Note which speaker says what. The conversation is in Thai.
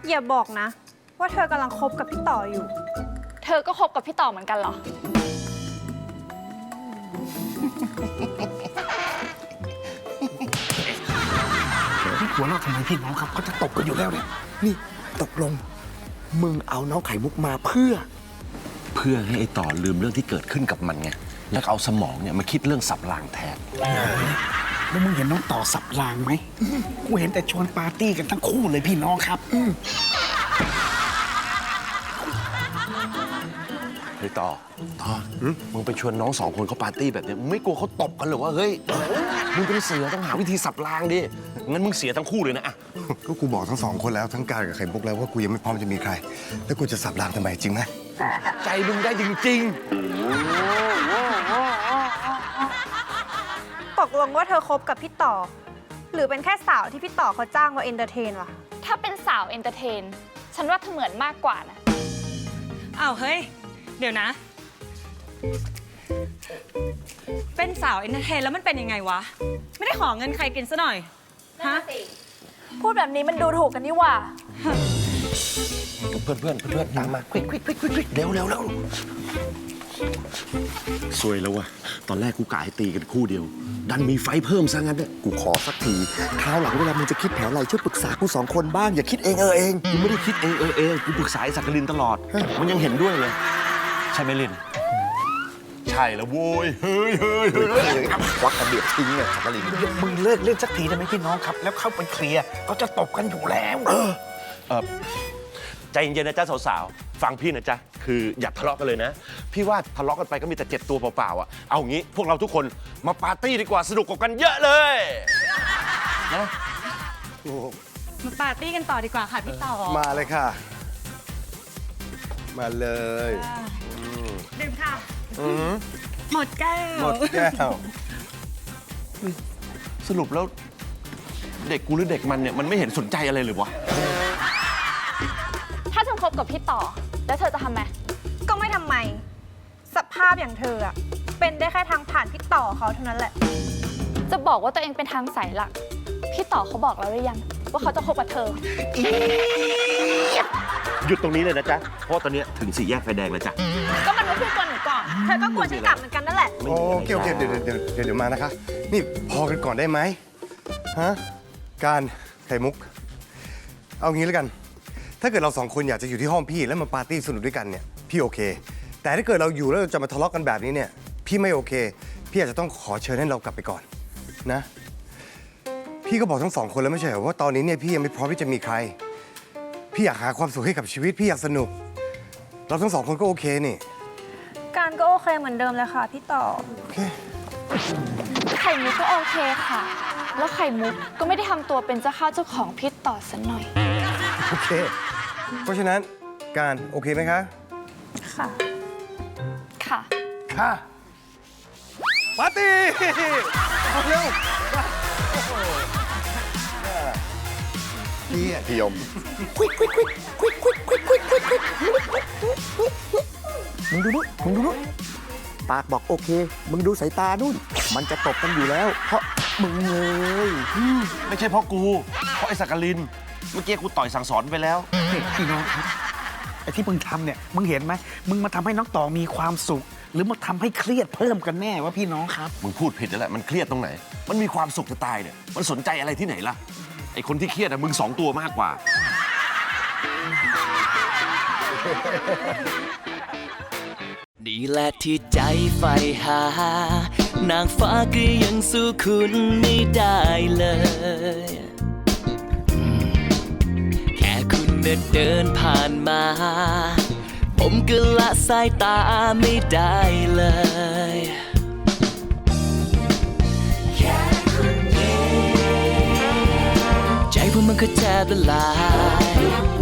Speaker 1: อย่าบอกนะว่าเธอกำลังคบกับพี่ต่ออยู่
Speaker 2: เธอก็คบกับพี่ต่อเหมือนกันเหรอ
Speaker 3: พี่หัวเราะทำไมพี่น้องครับเขาจะตบกันอยู่แล้วเนี่ยนี่ตกลงมึงเอาน้องไข่มุกมาเพื่อ
Speaker 4: ให้ไอ้ต่อลืมเรื่องที่เกิดขึ้นกับมันไงแล้วเอาสมองเนี่ยมาคิดเรื่องสับรางแทน
Speaker 3: แล้วมึงเห็นน้องต่อสับรางไหมกูเห็นแต่ชวนปาร์ตี้กันทั้งคู่เลยพี่น้องครับ
Speaker 4: เฮ้ยต่อมึงไปชวนน้อง2 คนเขาปาร์ตี้แบบนี้มึงไม่กลัวเขาตบกันหรือว่าเฮ้ยมึงเป็นเสือต้องหาวิธีสับรางดิงั้นมึงเสียทั้งคู่เลยนะอะ
Speaker 5: ก็กูบอกทั้ง2 คนแล้วทั้งการกับไข่มุกแล้วว่ากูยังไม่พร้อมจะมีใครแล้วกูจะสับรางทำไมจริงไหม
Speaker 4: ใจมึงได้จริง
Speaker 1: ตกลงว่าเธอคบกับพี่ต่อ หรือเป็นแค่สาวที่พี่ต่อเขาจ้างมาเอนเตอร์เทนวะ
Speaker 2: ถ้าเป็นสาวเอนเตอร์เทน ฉันว่าเธอเหมือนมากกว่านะ
Speaker 6: อ้าวเฮ้ย เดี๋ยวนะ เป็นสาวเอนเตอร์เทนแล้วมันเป็นยังไงวะ ไม่ได้ขอเงินใครกินซะหน่อย ฮะ
Speaker 1: พูดแบบนี้มันดูถูกกันนี่หว่า
Speaker 4: เพื่อนตามมาควิกเร็วสวยแล้ววะตอนแรกกูกะให้ตีกันคู่เดียวดันมีไฟเพิ่มซะงั้นเนี่ย
Speaker 5: กูขอสักทีคราวหลังเวลามึงจะคิดแผนอะไรช่วยปรึกษากู2 คนบ้างอย่าคิดเอง
Speaker 4: กูไม่ได้คิดเองกูปรึกษาไอ้สักกลินตลอดมันยังเห็นด้วยเลยใช่ไหมลินใช่แล้วโว้ยเฮ้ย
Speaker 5: ควักกระเบียดทิ้งเลยสักกลิน
Speaker 3: มึงเลิกเล่นสักทีได้ไหมพี่น้องครับแล้วเข้าไปเคลียร์เขาจะตบกันอยู่แล้ว
Speaker 4: ใจเย็นๆนะจ๊ะสาวๆฟังพี่นะจ๊ะคืออย่าทะเลาะกันเลยนะพี่ว่าทะเลาะกันไปก็มีแต่เจ็บตัวเปล่าๆอ่ะเอางี้พวกเราทุกคนมาปาร์ตี้ดีกว่าสนุกกว่ากันเยอะเลยนะ
Speaker 6: มาปาร์ตี้กันต่อดีกว่าค่ะพี่ต่อ
Speaker 5: มาเลยค่ะมาเลย
Speaker 6: ดื่มค่ะหมดแก้ว
Speaker 4: สรุปแล้วเด็กกูหรือเด็กมันเนี่ยมันไม่เห็นสนใจอะไรเลยวะ
Speaker 2: ถ้าเธอคบกับพี่ต่อ แล้วเธอจะทำไม
Speaker 1: ก็ไม่ทำไม สภาพอย่างเธออะเป็นได้แค่ทางผ่านพี่ต่อเขาเท่านั้นแหละ
Speaker 2: จะบอกว่าตัวเองเป็นทางสายหลัก พี่ต่อเขาบอกแล้วหรือยังว่าเขาจะคบกับเธอ
Speaker 4: หยุดตรงนี้เลยนะจ๊ะเพราะตอนนี้ถึง4 แยกไฟแดงแล้วจ้ะ
Speaker 1: ก็มันไม่พูดกวนหนูก่อน เธอก็กวนฉันกลับเหมือนกันนั่นแหละ
Speaker 5: โอเคเดี๋ยวมานะคะนี่พอกันก่อนได้ไหมฮะการไข่มุกเอางี้แล้วกันถ้าเกิดเรา2 คนอยากจะอยู่ที่ห้องพี่แล้วมาปาร์ตี้สนุกด้วยกันเนี่ยพี่โอเคแต่ถ้าเกิดเราอยู่แล้วเราจะมาทะเลาะกันแบบนี้เนี่ยพี่ไม่โอเคพี่อาจจะต้องขอเชิญให้เรากลับไปก่อนนะพี่ก็บอกทั้ง2 คนแล้วไม่ใช่เหรอว่าตอนนี้เนี่ยพี่ยังไม่พร้อมที่จะมีใครพี่อยากหาความสุขให้กับชีวิตพี่อยากสนุกเราทั้ง2 คนก็โอเคนี่
Speaker 1: การก็โอเคเหมือนเดิมเลยค่ะพี่ต่อ
Speaker 5: โอเค
Speaker 2: ไข่มุกก็โอเคค่ะ แล้วไข่มุกก็ไม่ได้ทำตัวเป็นเจ้าข้าวเจ้าของพี่ต่อสักหน่อย
Speaker 5: โอเคเพราะฉะนั้นการโอเคไหมคะ
Speaker 1: ค่ะ
Speaker 5: ค่ะปาร์ตี้เร็วพี่ยม
Speaker 3: มึงดูนู่นปากบอกโอเคมึงดูสายตานู่นมันจะตบกันอยู่แล้วเพราะมึงเลย
Speaker 4: ไม่ใช่เพราะกูเพราะไอ้สักกลินเมื่อกี้กูต่อยสั่งสอนไปแล้ว
Speaker 3: พี่น้องครับไอ้ที่มึงทำเนี่ยมึงเห็นไหมมึงมาทำให้น้องต่อมีความสุขหรือมาทำให้เครียดเพิ่มกันแน่วะพี่น้องครับ
Speaker 4: มึงพูดผิดแล้วแหละมันเครียดตรงไหนมันมีความสุขจะตายเนี่ยมันสนใจอะไรที่ไหนล่ะไอ้คนที่เครียดอะมึง2 ตัวมากกว่า
Speaker 7: นี่แหละที่ใจใฝ่หานางฟ้าก็ยังสู้คุณไม่ได้เลยแค่คุณเดินผ่านมาผมก็ละสายตาไม่ได้เลยแค่คุณยิ้มใจผมมันก็แทบละลาย